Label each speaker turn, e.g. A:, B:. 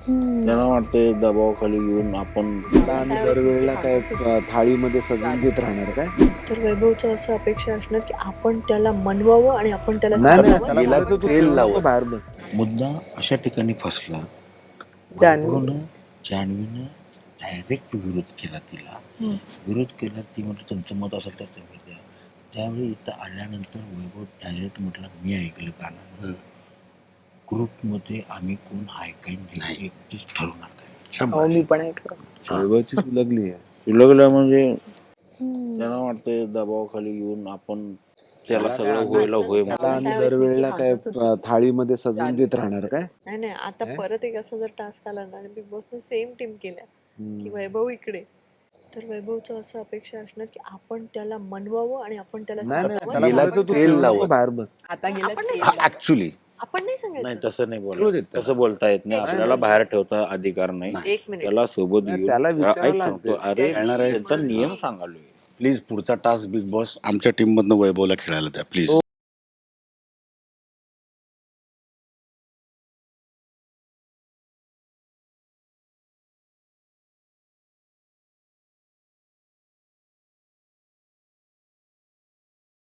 A: त्यांना वाटते दबावाखाली येऊन आपण
B: आणि दरवेळेला काय थाळीमध्ये सजवून देत राहणार काय?
C: तर वैभवचं असं अपेक्षा असणार की आपण त्याला मनवावं आणि आपण त्याला
B: नाही नाही,
C: समजावं.
B: त्याला
D: गेला
B: म्हणायचं तू
D: तेल
B: खेळू नको,
D: लावत.
B: बाहेर बस.
A: मुद्दा अशा ठिकाणी फसला.
C: जान्हवी.
A: वैभवनं जान्हवीनं डायरेक्ट विरोध केला तिला. विरोध केला, ती म्हटलं तुमचं मत असेल तर तुम्ही द्या. त्यावेळी इथं आल्यानंतर वैभव डायरेक्ट म्हटलं मी ऐकलं कानानं. ग्रुपमध्ये आम्ही कोण ऐकायला नाही, एकटीच ठरवणार काय.
C: हो, मी पण ऐकलं.
B: वैभवची सुलगली आहे.
A: सुलगलं म्हणजे त्यांना वाटते दबावाखाली येऊन आपण त्याला सगळं होईल
B: आणि दरवेळेला काय थाळीमध्ये सजवून देत राहणार काय?
C: नाही नाही, आता परत एक असा जर टास्क आला ना आणि बिग बॉसने सेम टीम केल्या की वैभव इकडे, तर वैभवचं असं अपेक्षा असणार की आपण त्याला मनवावं आणि आपण त्याला
B: नाही नाही,
C: समजावं.
B: त्याला
D: गेला
B: म्हणायचं तू
D: तेल
B: खेळू नको,
D: लावत.
B: बाहेर बस.
C: आपण नाही
D: ऍक्च्युली
C: आपण नाही
A: नाही
C: सांगायचं.
A: तसं नाही
D: कळू
A: बोलत,
D: देत त्याला.
A: तसं बोलता येत नाही. आपल्याला बाहेर ठेवता अधिकार नाही.
C: एक मिनिट.
A: त्याला सोबत
B: नाही,
A: घेऊन
B: त्याला विचारावं
A: ऐक सांगतो,
B: लागतं.
A: अरे
D: खेळणार आहे.
A: त्यांचा नियम सांगालोय.
D: प्लीज पुढचा टास्क बिग बॉस आमच्या टीम मधनं वैभवला खेळायला द्या प्लीज.